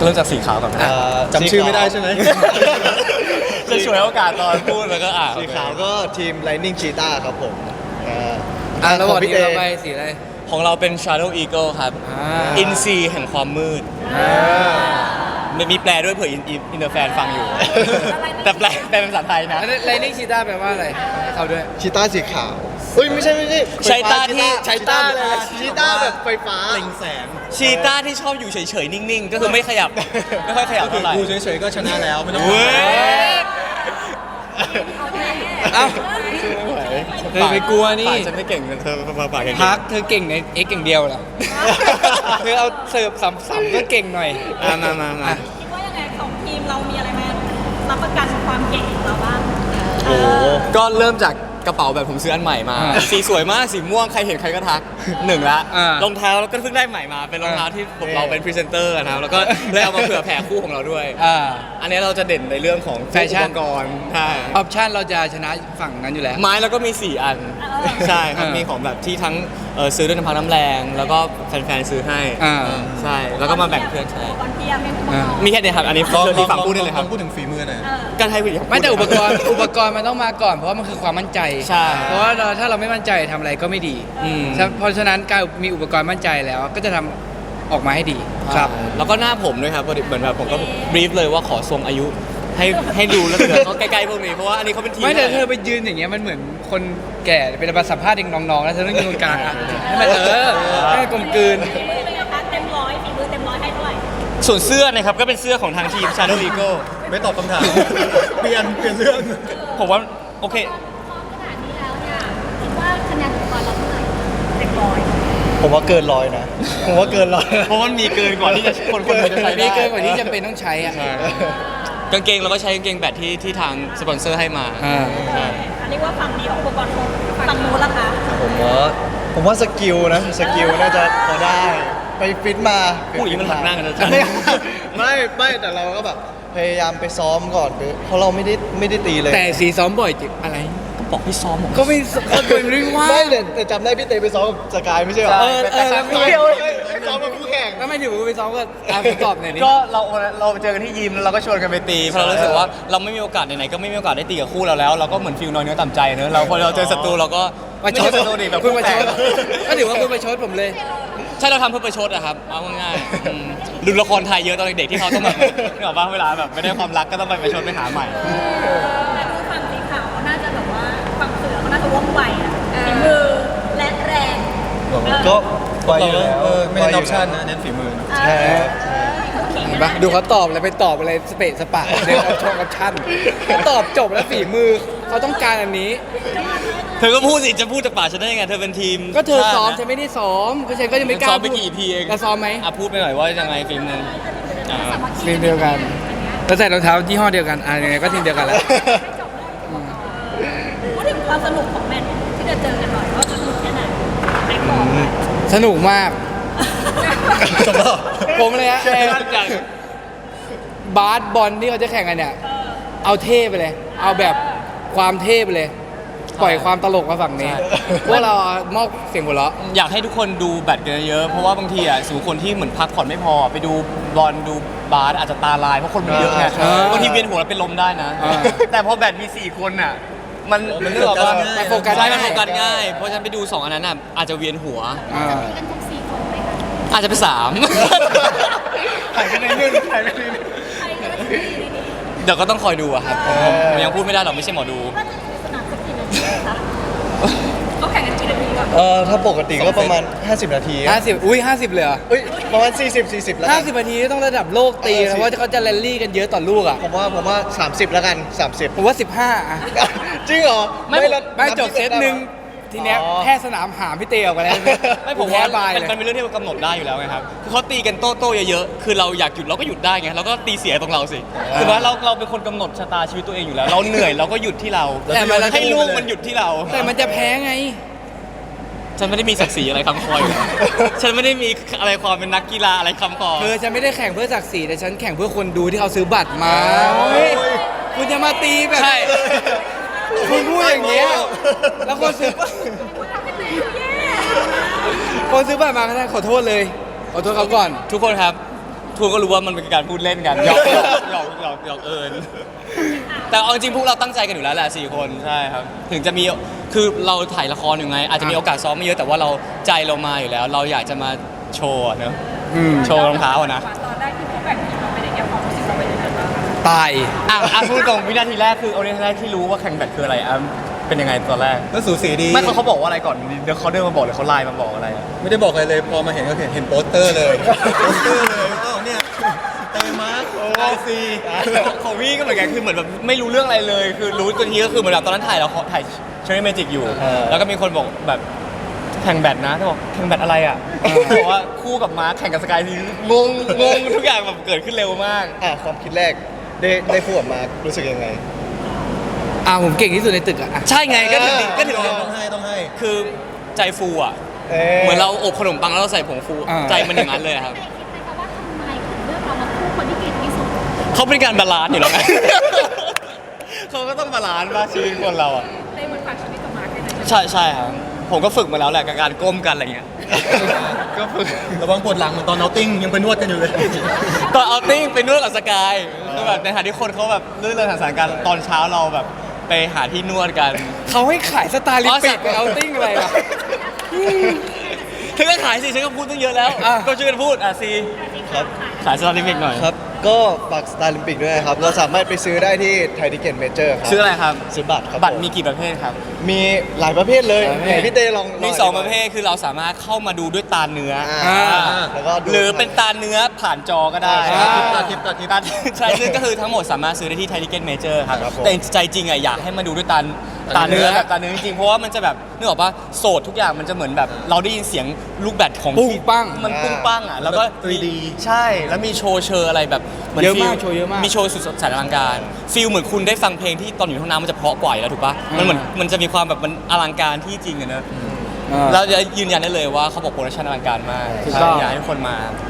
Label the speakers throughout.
Speaker 1: เริ่มจากสีขาวก่อนนะจำชื่อไม่ได้ใช่ไหมจะช่วยโอกาสตอนพูดแล้วก็
Speaker 2: สีขาวก็ทีม Lightning Cheetah ครับผม
Speaker 3: แล้วบอกทีมเราไปสีอะไร
Speaker 1: ของเราเป็น Shadow Eagle ครับอินซีแห่งความมืดมันมีแปลด้วยเผื่ออินเตอร์แฟนฟังอยู่แต่แปลเป็นภาษาไทยนะ
Speaker 3: Lightning Cheetah แปลว่าอะไรเขาด้วย
Speaker 2: ชีต้าสีขาวเฮ้ยไม่ใช่
Speaker 1: ใช้ต้าที่
Speaker 2: ใช้ต้าเลยชีต้าแบบไฟฟ้า
Speaker 1: เล็งแสงชีต้าที่ชอบอยู่เฉยๆนิ่งๆก็คือไม่ขยับไม่ค่อยขยับเท่าไหร่ดูเฉยๆก็ชนะแล้วไม่ต้อง
Speaker 3: เอ้าเธอไปกลัวนี่
Speaker 1: ฉันไม่เก่งเธอปากเก่ง
Speaker 3: พักเธอเก่งใน X อย่างเดียวเหรอเธอเอาเสิร์ฟสัมก็เก่งหน่อย
Speaker 1: มา
Speaker 4: คิดว่ายังไงของทีมเรามีอะไรมารับประกันความเก่งของเราบ้าง
Speaker 1: ก็เริ่มจากกระเป๋าแบบผมซื้ออันใหม่มาสีสวยมากสีม่วงใครเห็นใครก็ทักหนึ่งละรองเท้าแล้วก็เพิ่งได้ใหม่มาเป็นรองเท้าที่เราเป็นพรีเซนเตอร์นะครับแล้วก็เลยเอามาเผื่อแผ่คู่ของเราด้วยอันนี้เราจะเด่นในเรื่องของ
Speaker 3: แฟชั่น
Speaker 1: อุปกรณ์ใช่
Speaker 3: ออปชั่นเราจะชนะฝั่งนั้นอยู่แล้ว
Speaker 1: ไม้แล้วก็มี4อันใช่ครับมีของแบบที่ทั้งซื้อด้วยน้ำพักน้ำแรงแล้วก็แฟนๆซื้อให้ใช่แล้วก็มาแบ่งเพื่อนใช้มีแค่นี้ครับอันนี้ที่ฝั่งพูดได้เลยครับ
Speaker 2: พูดถึงฝีมือหน่อย
Speaker 1: การให้
Speaker 3: ไม่แต่อุปกรณ์มันต้องมาก่อนเพราะว่ามันคือความมั่นใจ
Speaker 1: ใช่
Speaker 3: เพราะว่าถ้าเราไม่มั่นใจทำอะไรก็ไม่ดีเพราะฉะนั้นการมีอุปกรณ์มั่นใจแล้วก็จะทำออกมาให้ดี
Speaker 1: ครับแล้วก็หน้าผมด้วยครับเหมือนแบบผมก็บรีฟเลยว่าขอทรงอายุให้ดูแล้วเดี๋ยวเขาใกล้ๆพวกนี้เพราะว่าอันนี้เขาเป็นทีม
Speaker 3: ไม่แต่เธอไปยืนอย่างเงี้ยมันเหมือนคนแก่เป็นมาสัมภาษณ์เด็กน้องๆแล้วเธอต้องยืนตรงกลางให้มันให้กลมกลืน
Speaker 4: เต็มร้อยฝีมือเต็มร้อยให้เท่าไหร่
Speaker 1: ส่วนเสื้อนะครับก็เป็นเสื้อของทางทีม Shadow Eagle
Speaker 2: ไม่ตอบคำถามเปลี่ยนเรื่อง
Speaker 1: ผมว่าโอเค
Speaker 4: ขนาดนี้แล้วเนี่ยคิดว่าคะแนนของเราเท่าไหร่เต็มร้อย
Speaker 2: ผมว่าเกิน100นะผมว่าเกิน100
Speaker 1: เพราะมันมีเกินกว่าที่จะคนจะใช้ได้
Speaker 3: มีเกินกว่าที่จำเป็นต้องใช้อ่ะ
Speaker 1: กางเกงเราก็ใช้กางเกงแบบที่ทางสปอนเซอร์ให้มา
Speaker 4: อันนี้ว่าฝั่งเดียวอุปกรณ์ฝั่งนู้นล่ะคะ
Speaker 2: ผมว่าสกิลนะสกิลน่าจะพอได้ไปฟิตมา
Speaker 1: ผู้หญิงมันหักหน้ากันนะ
Speaker 2: ไม่แต่เราก็แบบพยายามไปซ้อมก่อนเพราะเราไม่ได้ตีเลย
Speaker 3: แต่สีซ้อมบ่อยจิอะไร
Speaker 1: ก็บอกให้ซ้อม
Speaker 3: ก็ไม่เรื่องว่า
Speaker 2: ไม่แต่จำได้พี่เตไปซ้อมกับสกายไม่ใช่หรอ
Speaker 3: แล้ว
Speaker 2: ไม่เดียวซ้อมกับคู่แข่ง
Speaker 3: แล้วไม่ถือว่าไปซ้อมก็ตอบหน่อยนี่
Speaker 1: ก็เราเจอกันที่ยิมแล้วเราก็ชวนกันไปตีเพราะเรารู้สึกว่าเราไม่มีโอกาสไหนๆก็ไม่มีโอกาสได้ตีกับคู่เราแล้วเราก็เหมือนฟิลน้อยเนื้อต่ำใจเนอะเราพอเราเจอศัตรูเราก็
Speaker 3: มาชดศัตรูดิแบบคุณมาชดก็ถือว่าคุณมาชดผมเลย
Speaker 1: ใช่เราทำเพื่อประชดอะครับเอาง่ายๆดูละครไทยเยอะตอนเด็กๆที่เขาต้องแบบนึกออกป่ะเวลาแบบไม่ได้ความรักก็ต้องไปประชดไปหาใหม่
Speaker 4: แต่ดูฝั่งสีขาวเขาน่าจะแบบว่าฝั่งเสือเขาน่าจะว่องไวอะฝีมือและแรง
Speaker 2: ก็ไวอยู่แล้ว
Speaker 1: ไม่เน้นออปชั่นนะเน้นฝีมือ
Speaker 2: ใช่
Speaker 3: ดูเขาตอบอะไรไปตอบอะไรสเปซสปะเรื่องออปชั่นตอบจบแล้วฝีมือเขาต้องการอันนี้
Speaker 1: เธอก็พูดสิจะพูดจะป่าฉันได้ยังไงเธอเป็นทีม
Speaker 3: ก็เธอซ้อมฉันไม่ได้ซ้อมก็ฉันก็ยังไม่กล้า
Speaker 1: ซ้อมไปกี่ EP เอง
Speaker 3: ซ้อมไหม
Speaker 1: พูดไปหน่อยว่ายังไงฟิล์มนึง
Speaker 3: ทีมเดียวกันแล้วใส่รองเท้ายี่ห้อเดียวกันยังไงก็ทีมเดียวกันแล้ว
Speaker 4: พูดถึงความสนุกของแมตช์ที่จะเจอกันหน่อยว่าสนุกแค่ไหน
Speaker 3: สนุกมากผมเลยฮะบาสบอลที่เขาจะแข่งกันเนี่ยเอาเท่ไปเลยเอาแบบความเท่ไปเลยปล่อยความตลกมาฝั่งนี้พวกเรามอบเสียงหัวเราะ
Speaker 1: อยากให้ทุกคนดูแบดกันเยอะเพราะว่าบางทีอ่ะสูคนที่เหมือนพักผ่อนไม่พอไปดูบอลดูบาสอาจจะตาลายเพราะคนมันเยอะไงบางทีเวียนหัวแล้วเป็นลมได้นะแต่พอแบดมี4คนอ่ะมันเรื่องว่า
Speaker 3: โฟกัส
Speaker 1: ได้มันโฟกัสง่ายเพราะฉะนั้นไปดู2อันนั้นอ่ะอาจจะเวียนหัวอาจจะเป็น3
Speaker 2: หายไปในนึง
Speaker 1: เดี๋ยวก็ต้องคอยดูอะครับผมยังพูดไม่ได้หรอกไม่ใช่หมอดู
Speaker 4: เขาแข่งกันกี่นาทีก่อน
Speaker 2: ถ้าปกติก็ประมาณ50นาที
Speaker 3: 50อุ้ย50เลยเหรอ
Speaker 2: ประมาณ40แล้ว
Speaker 3: 50นาทีต้องระดับโลกตีเพราะว่าเขาจะแรลลี่กันเยอะต่อลูกอ่ะ
Speaker 2: ผมว่า30แล้วกัน30
Speaker 3: ผมว่า15อ่ะ
Speaker 2: จริงเหรอ
Speaker 3: ไม่จบเซตนึงทีเนี้ยแพ้สนามหามพี่เตออกไปแล้ว
Speaker 1: ไม่ผมว่ามันเป็นเรื่องที่เรากำหนดได้อยู่แล้วไงครับคือเขาตีกันโต้เยอะๆคือเราอยากหยุดเราก็หยุดได้ไงเราก็ตีเสียตรงเราสิคือว่าเราเป็นคนกำหนดชะตาชีวิตตัวเองอยู่แล้วเราเหนื่อยเราก็หยุดที่เราแต่ให้ลูกมันหยุดที่เรา
Speaker 3: แต่มันจะแพ้ไง
Speaker 1: ฉันไม่ได้มีศักดิ์ศรีอะไรคำคอยฉันไม่ได้มีอะไรความเป็นนักกีฬาอะไรคำคอ
Speaker 3: ฉันไม่ได้แข่งเพื่อศักดิ์ศรีแต่ฉันแข่งเพื่อคนดูที่เขาซื้อบัตรมาคุณจะมาตีแบบคุณพูดอย่างเงี้ยแล้วคนซื้อบัตรมาขอโทษเลยขอโทษเขาก่อน
Speaker 1: ทุกคนครับทุกคนก็รู้ว่ามันเป็นการพูดเล่นกันหยอกเอิญแต่เอาจริงๆพวกเราตั้งใจกันอยู่แล้วแหละ4 คนใช่ครับถึงจะมีคือเราถ่ายละครอยู่ไง อาจจะมีโอกาสซ้อมไม่เยอะแต่ว่าเราใจเรามาอยู่แล้ว เราอยากจะมาโชว์เนอะโชว์รองเท้านะ
Speaker 4: ตอนแรกที่เขาแบ่งทีมเราไปในแง่ความรู้สึกเราไปในนั้นบ้าง
Speaker 3: ตาย
Speaker 1: พูดตรงวินาทีแรกคือเอาวินาทีแรกที่รู้ว่าแข่งแบดคืออะไรเป็นยังไงตอนแรก
Speaker 2: ก็สูสีดี
Speaker 1: ไม่เขาบอกว่าอะไรก่อนเดี๋ยวเขาเดินมาบอกเลยเขาไลน์มาบอกอะไรอะ
Speaker 2: ไม่ได้บอกอะไรเลยพอมาเห็นก็เห็นโปสเตอร์เลยโปสเตอร์เลยอ้าวเนี่ยเตมาร์คไอซี
Speaker 1: ของพี่ก็เหมือนกันคือเหมือนแบบไม่รู้เรื่องอะไรเลย คือรู้ตัวทีก็คือเหมือนแบบตอนนั้นถ่ายเชอรี่เมจิกอยู่ แล้วก็มีคนบอกแบบแข่งแบดนะถ้าบอกแข่งแบดอะไรอ่ะบอกว่าคู่กับมาร์คแข่งกับสกายทีงงทุกอย่างแบบเกิดขึ้นเร็วมาก
Speaker 2: ความคิดแรกได้พูดออกมารู้สึกยังไง
Speaker 3: ผมเก่งที่สุดในตึกอ่ะ
Speaker 1: ใช่ไงก็ถึง
Speaker 2: ต้องให้
Speaker 1: คือใจฟูอ่ะเหมือนเราอบขนมปังแล้วเราใส่ผงฟูใจมันอย่างนั้นเลยครับ
Speaker 4: คิดไหมคะว่าทำไมถึงเลือกเรามาคู่คนที่เก่งที่สุด
Speaker 1: เขาเป็นการบาลานซ์อยู่แล้วไง เขาก็ต้องบาลานซ์บ้างชีวิตคนเราอ่ะ
Speaker 4: ได้เหมือนฝากชีวิตกับมาร์คได้ไหม
Speaker 1: ใช่ครับผมก็ฝึกมาแล้วแหละกับการก้มกันอะไรเงี้ย ก็ฝึก
Speaker 2: ระวังปวดหลังเหมือนตอนเอาติ้งยังไปนวดกันอยู่เลย
Speaker 1: ตอนเอาติ้งไปนวดกับสกายคือแบบในฐานะที่คนเขาแบบเลื่อนทางสารการตอนเช้าเราแบบไปหาที่นวดกัน
Speaker 3: เขาให้ขายสไตล์ลิปปิกไปเอาติ้งอะไรล่ะ
Speaker 1: เธอก็ขายสิฉันก็พูดตั้งเยอะแล้ว ก็ช่วยกันพูดซี
Speaker 2: ครับ
Speaker 1: ขายสตาร์ลิมิกหน่อย
Speaker 2: ครับ ก็ฝากสตาร์ลิมปิกด้วยนะครับ เราสามารถไปซื้อได้ที่ไทยทิเก็ตเมเจอร์ครับ
Speaker 1: ซื้ออะไรครับ
Speaker 2: ซื้อบัตรครับ
Speaker 1: บัตร
Speaker 2: ผ
Speaker 1: มีกี่ประเภทครับ
Speaker 2: มีหลายประเภทเลยไหนพี่เต้ลอง
Speaker 1: มี
Speaker 2: อธิบาย
Speaker 1: 2 ประเภทคือเราสามารถเข้ามาดูด้วยตาเนื้ออ
Speaker 2: แล้วก็ดู
Speaker 1: หรือเป็นตาเนื้อผ่านจอก็ได้
Speaker 2: ตาทิพย์
Speaker 1: ใช่ซึ่งก็คือทั้งหมดสามารถซื้อได้ที่ไทยทิเก็ตเมเจอร์ครับ
Speaker 2: ครับผม
Speaker 1: แต่ใจจริงอ่ะอยากให้มาดูด้วยตาเนื้อแบบตาเนื้อจริงๆเพราะว่ามันจะแบบนึกออกปะโสดทุกอย่างมันจะเหมือนแบบเราได้ยินเสียงลูกแบดของ
Speaker 3: ปุ้งปัง
Speaker 1: มันปุ้งปังอ่ะแล้วก็
Speaker 2: 3D
Speaker 1: ใช่แล้วมีโชว์เชอร์อะไรแบบหน
Speaker 3: เยอะมาก
Speaker 1: ฟีล
Speaker 3: โชว์เยอะมาก
Speaker 1: มีโชว์สุดแสนอลังการฟีลเหมือนคุณได้ฟังเพลงที่ตอนอยู่ในห้องน้ำมันจะเพราะกว่าอยู่แล้วถูกปะมันเหมือนมันจะมีความแบบมันอลังการที่จริงอะเนอะเราจะยืนยันได้เลยว่าเขาบอกโปรดักชันอลังการมาก
Speaker 3: ถูกต้อง
Speaker 1: อยากให้ทุกคนมา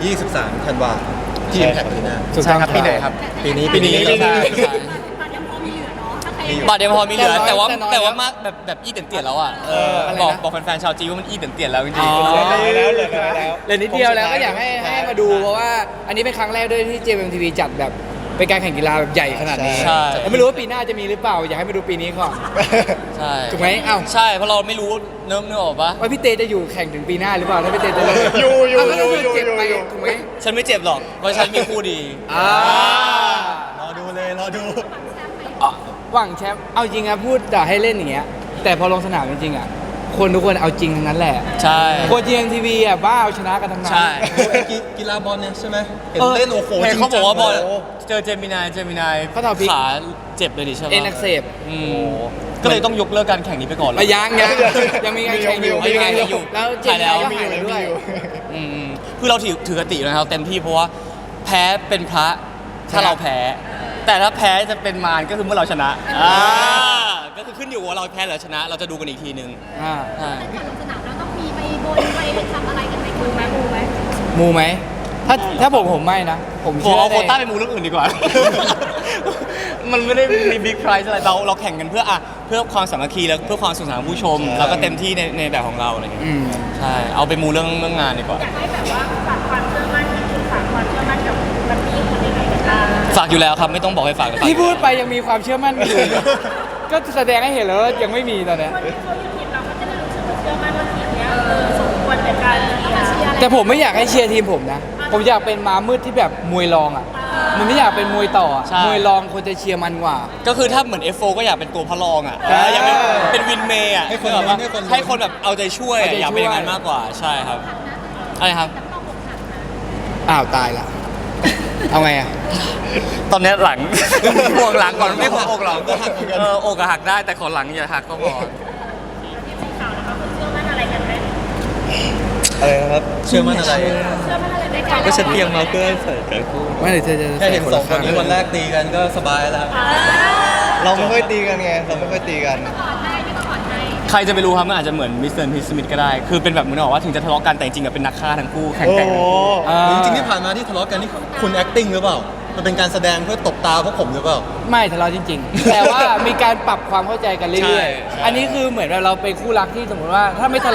Speaker 2: 23 ธันวาที่แข่งปีหน้า
Speaker 3: ถูก
Speaker 1: ใช่
Speaker 3: ต้อง
Speaker 1: ครับปีไหนครับ
Speaker 2: ปีนี้
Speaker 1: ปีนี้
Speaker 2: ปีนี้
Speaker 1: ใช่
Speaker 4: บัตรยังพอมีเหลือเนาะถ้าใคร
Speaker 1: บัตรเดียวพอมีเหลือ
Speaker 3: แต่
Speaker 1: แต่
Speaker 3: น้อย
Speaker 1: ว่ามากแบบอี้เตียนๆแล้วอ่ะ
Speaker 3: อะไรนะ
Speaker 1: บอกแฟนๆชาวจีนว่ามันอี้เตียนๆแล้วจริง
Speaker 3: อ๋อ
Speaker 1: ๆ
Speaker 2: เหลือน้อยแล้ว
Speaker 3: เหลือนิดเดียวแล้วก็อยากให้มาดูเพราะว่าอันนี้เป็นครั้งแรกด้วยที่ JMTV จัดแบบเป็นการแข่งกีฬาแบบใหญ่ขนาดนี้
Speaker 1: ใช่
Speaker 3: แต่ไม่รู้ว่าปีหน้าจะมีหรือเปล่า อยากให้มาดูปีนี้ก่อน
Speaker 1: ใช่
Speaker 3: ถูกไหมอ้าว
Speaker 1: ใช่เพราะเราไม่รู้เนื้อออกปะ
Speaker 3: ว่าพี่เตจะอยู่แข่งถึงปีหน้าหรือเปล่าถ้าพี่เตจะเลิก
Speaker 2: อยู่
Speaker 3: าวแล้วถ้าเกิดเจ็บไป
Speaker 2: อยู่
Speaker 3: ถูกไหม
Speaker 1: ฉันไม่เจ็บหรอกเพราะฉันมีคู่ดี
Speaker 2: รอดูเลยรอดู
Speaker 3: หวังแชมป์เอาจริงอะพูดแต่ให้เล่นอย่างเงี้ยแต่พอลงสนามจริงๆอะคนทุกคนเอาจริงทั้งนั้นแหละ
Speaker 1: ใช่
Speaker 3: คน JMTV อะบ้าเอาชนะกันทั้งนั้น
Speaker 1: ใช่
Speaker 2: กีฬาบอลเนี่ยใช่ไหมเห็นเล่นโอ้โห
Speaker 1: เห็นเขาบอกว่าบอล
Speaker 2: จริงจัง
Speaker 1: เจอเจมินาย
Speaker 3: เขาทำพลิก
Speaker 1: ขาเจ็บเลยดิใช่ไหม
Speaker 3: เอ็นอักเสบ
Speaker 1: ก็เลยต้องยกเลิกการแข่งนี้ไปก่อนเลย
Speaker 3: ยังมีการแข่งอยู่
Speaker 1: มีการแข่งอยู่
Speaker 3: แล้วเจ
Speaker 1: ถ่าย
Speaker 3: ม
Speaker 1: แล้ว
Speaker 3: ก็หายแล้วด้วย
Speaker 1: คือเราถือกตินะครับเต็มที่เพราะว่าแพ้เป็นพระถ้าเราแพ้ แต่ถ้าแพ้จะเป็นมารก็คือเมื่อเราชนะก็คือขึ้นอยู่ว่าเราแพ้หรือชนะ เราจะดูกันอีกทีนึง
Speaker 4: ก่อนลงสนามเราต้องมีไปบนไปทำอะไรกันไหมคุณไหมมูไหม
Speaker 3: มูไหมถ้าผมไม่นะ ผม
Speaker 1: ผม
Speaker 3: เชื่อ
Speaker 1: เอาโควต้า
Speaker 3: ใน
Speaker 1: ไปมูเรื่องอื่นดีกว่า มันไม่ได้มีบิ๊กไพรส์อะไรเราแข่งกันเพื่อความสามัคคีและเพื่อความสนุกสนานของผู้ชม แล้วก็เต็มที่ในแบบของเราอะไรอย่างเงี้ย
Speaker 3: อืม
Speaker 1: ใช่เอาไปมูเรื่องงานดีกว่า
Speaker 4: อยากให้แบบว่าฝากความเชื่อมั่นที่คุณฝากความเชื่อมั่นกับบัตตี้คนยังไงกันบ้าง
Speaker 1: ฝากอยู่แล้วครับไม่ต้องบอกให้ฝาก
Speaker 3: ที่พูดไปยังมีความเชื่อมั่นอยู่ ก็แสดงให้เห็นแล้วว่ายังไม่มีตอนเนี้ย
Speaker 4: คนที่เขาอยู่ทีมเราก็จะได้รู้สึกว่าเชื่อมั่นว่าทีมเนี้ยสมควรในการเชียร์
Speaker 3: แต่ผมไม่อยากให้เชียร์ทีมผมนะ ผมอยากเป็นม้ามืดที่แบบมวยรองอ่ะ มันไม่อยากเป็นมวยต่ออะมวยรองคนจะเชียร์มันกว่า
Speaker 1: ก็คือถ้าเหมือน F4 ก็อยากเป็นตัวพระรองอ่ะอยากเป็นวินเมย์อ่ะ
Speaker 2: ให้คน
Speaker 1: แบบว่า
Speaker 2: ให้คน
Speaker 1: ให้คนแบบเอาใจช่วย
Speaker 3: เอาใจช่วย
Speaker 1: อยากเป็นอย่างนั้นมากกว่าใช่ครับอะไรครับ
Speaker 3: อ้าวตายละ เอาไงอ่ะ
Speaker 1: ตอนนี้หลัง ห่วงหลังก่อนไม่ห่วงอกหลังอกหักได้แต่ขอหลังอย่าหักก็พอ
Speaker 4: ข่าวนะคะคุณเชื่อมั่นอะไรกันไหม
Speaker 2: อะไรนะครับเชื่อมั่นอะไร
Speaker 4: เชื่อมั่นอะไรในการ
Speaker 1: ก็ฉันเตรียมมาเพื่อใส่กันคู่
Speaker 3: ไม่เดี๋ยวจะ
Speaker 2: แค่เห็นสองคนนี้วันแรกตีกันก็สบายแล้ว เราไม่ค่อยตีกันไง เราไม่ค่อยตีกัน
Speaker 4: ก่อนให้พี่ก็ก่อนให้
Speaker 1: ใครจะไปรู้ครับมันอาจจะเหมือนมิสเตอร์พีสมิธก็ได้ คือเป็นแบบเหมือนบอกว่าถึงจะทะเลาะกันแต่จริงๆอะเป็นนักฆ่าทั้งคู่แข่ง
Speaker 2: โอ้
Speaker 1: กัน
Speaker 2: โหจริงๆที่ผ่านมาที่ทะเลาะกันนี่คุณ acting หรือเปล่า มันเป็นการแสดงเพื่อตบตาพวกผมหรือเปล่า
Speaker 3: ไม่ทะเลาะจริง ๆ แต่ว่ามีการปรับความเข้าใจกันเรื่อยๆ อันนี้คือเหมือนเราเป็นคู่รักที่สมมติว่าถ้าไม่ทะเลาะ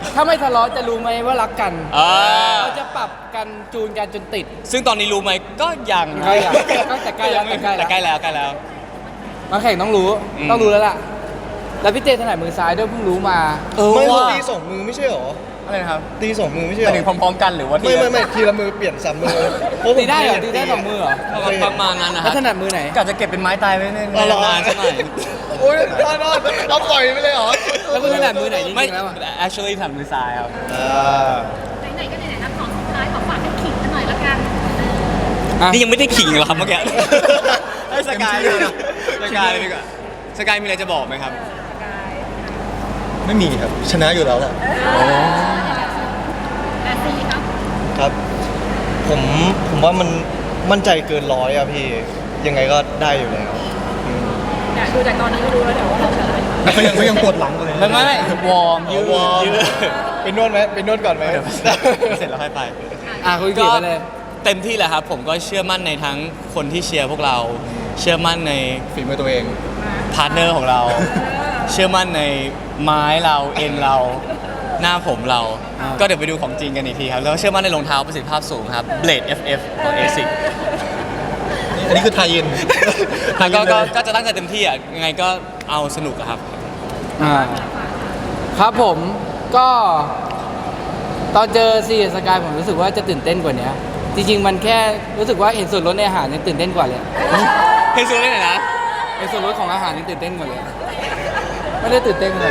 Speaker 3: ถ้าไม่ทะเลาะจะรู้ไหมว่ารักกัน
Speaker 1: อ่า
Speaker 3: เราจะปรับกันจูนกันจนติด
Speaker 1: ซึ่งตอนนี้รู้ไหมก็ยัง
Speaker 3: ก็แต่ใกล้แล้ว
Speaker 1: แต่ใกล้แล้วใกล้แล้ว
Speaker 3: มาแข่งต้องรู้
Speaker 1: อืม
Speaker 3: ต้องรู้แล้วล่ะ แล้วพี่เจถนัดมือซ้ายด้วยเพิ่งรู้มา
Speaker 2: ไม่
Speaker 1: ว่า
Speaker 2: ตีสองมือไม่ใช่หรอ
Speaker 1: อะไรนะครับ
Speaker 2: ตีสองมือไม่ใช่ห
Speaker 1: ไป
Speaker 2: รอ
Speaker 1: ถึงพร้อมๆกันหรือว่าที
Speaker 2: ไม่ทีละมือเปลี่ยนสามมือเพราะผม
Speaker 3: ตีได้เหรอตีได้สองมือเหรอ
Speaker 1: ประมาณนั้นนะ
Speaker 3: แล้ว
Speaker 1: ฮะ
Speaker 3: ถนัดมือไหน
Speaker 1: กะจะเก็บเป็นไม้ตายไว้ใน
Speaker 2: อ๋อเหรอ
Speaker 1: นานๆสักหน่อย
Speaker 2: โอ้ยนอนเอาปล่อยไปเลยเหรอ
Speaker 3: แล้วคุณถนัดมือไหนจ
Speaker 1: ไม่
Speaker 3: ริงๆแล้วอะ
Speaker 1: actually ถนัดมือซ้ายครับ
Speaker 4: ไหนๆก็ไหนๆนะของสุดท้ายขอฝากให้ขิงกันหน่อยละกัน
Speaker 3: อ่ะ
Speaker 1: นี่ยังไม่ได้ขิงเหรอครับเมื่อกี้ ให้สกายเลยนะสกายเลยดีกว่าสกายมีอะไรจะบอกไหมครับ
Speaker 2: ไม่มีครับ ชนะอยู่แล้วแหละ
Speaker 4: แต่ซีครับ
Speaker 2: ครับ ผมว่ามันมั่นใจเกินร้อยอะพี่ ยังไงก็ได้อยู่แล้ว
Speaker 4: อยากดูจากตอนนี้ก็รู้แล้วเดี๋ยวว่าเราจะอะไร
Speaker 2: เขายังปวดหลังเลย
Speaker 1: ไม่วอร์มยืด
Speaker 2: วอร์ม
Speaker 1: ยืด
Speaker 2: ไปนวดไหมไปนวดก่อนไหม
Speaker 1: เดี๋ยวเสร็จแล้วค่อยไป
Speaker 3: อ่ะคุณเกียรติไปเลย
Speaker 1: เต็มที่แหละครับ ผมก็เชื่อมั่นในทั้งคนที่เชียร์พวกเรา เชื่อมั่นใน
Speaker 2: ฝีมือตัวเอง
Speaker 1: พาร์ทเนอร์ของเรา เชื่อมั่นในไม้เราเอ็นเรา หน้าผมเรา
Speaker 3: อ่า
Speaker 1: ก็เดี๋ยวไปดูของจริงกันอีกทีครับ แล้วก็เชื่อมั่นในรองเท้าประสิทธิภาพสูงครับ Blade FF ของ ASIC
Speaker 2: อันนี้คือไทยอิน
Speaker 1: ก็จะตั้งใจเต็มที่อ่ะยังไงก็เอาสนุกอะครับ
Speaker 3: อ่าครับผมก็ตอนเจอซีสกายผมรู้สึกว่าจะตื่นเต้นกว่านี้จริงๆมันแค่รู้สึกว่าเห็นส่วนลดในอาหารยังตื่นเต้นกว่าเลย
Speaker 1: เพลงซูเล่นไหนนะ
Speaker 3: เห็นส่วนลดของอาหารยังตื่นเต้นกว่าเลยไม่ได้ตื่นเต้นเลย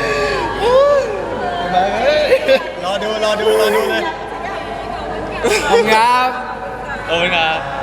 Speaker 2: รอดูเลย
Speaker 3: ขอบคุณครับ
Speaker 1: โอ้ยครับ